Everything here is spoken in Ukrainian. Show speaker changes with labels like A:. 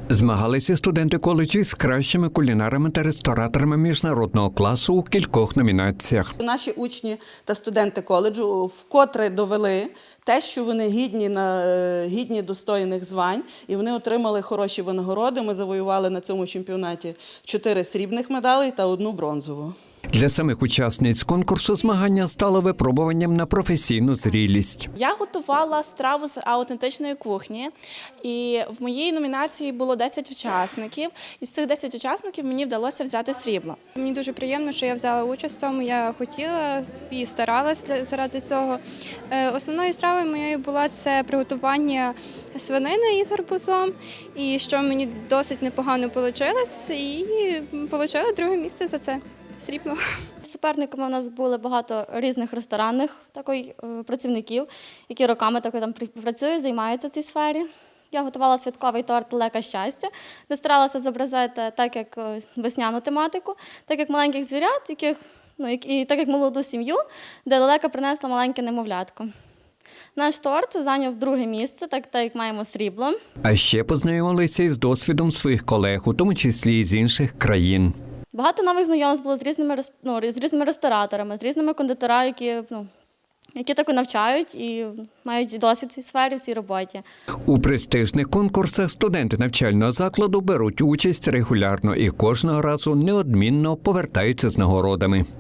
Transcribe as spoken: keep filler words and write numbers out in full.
A: Змагалися студенти коледжу з кращими кулінарами та рестораторами міжнародного класу у кількох номінаціях.
B: Наші учні та студенти коледжу вкотре довели те, що вони гідні, на, гідні достойних звань, і вони отримали хороші винагороди. Ми завоювали на цьому чемпіонаті чотири срібних медалей та одну бронзову.
A: Для самих учасниць конкурсу змагання стало випробуванням на професійну зрілість.
C: Я готувала страву з аутентичної кухні, і в моїй номінації було десять учасників. Із цих десяти учасників мені вдалося взяти срібло.
D: Мені дуже приємно, що я взяла участь в цьому, я хотіла і старалася заради цього. Основною стравою моєю була це приготування свинини із гарбузом, і що мені досить непогано вийшло, і отримала друге місце за це. Срібло.
E: Суперниками у нас були багато різних ресторанних такої, працівників, які роками такої, там працюють, займаються в цій сфері. Я готувала святковий торт «Лека щастя», де старалася зобразити так, як весняну тематику, так як маленьких звірят, яких, ну, і так як молоду сім'ю, де лелека принесла маленьке немовлятко. Наш торт зайняв друге місце, так, так як маємо срібло.
A: А ще познайомилися із досвідом своїх колег, у тому числі і з інших країн.
E: Багато нових знайомств було з різними, ну, з різними рестораторами, з різними кондитерами, які, ну, які таку навчають і мають досвід в цій сфері, в цій роботі.
A: У престижних конкурсах студенти навчального закладу беруть участь регулярно і кожного разу неодмінно повертаються з нагородами.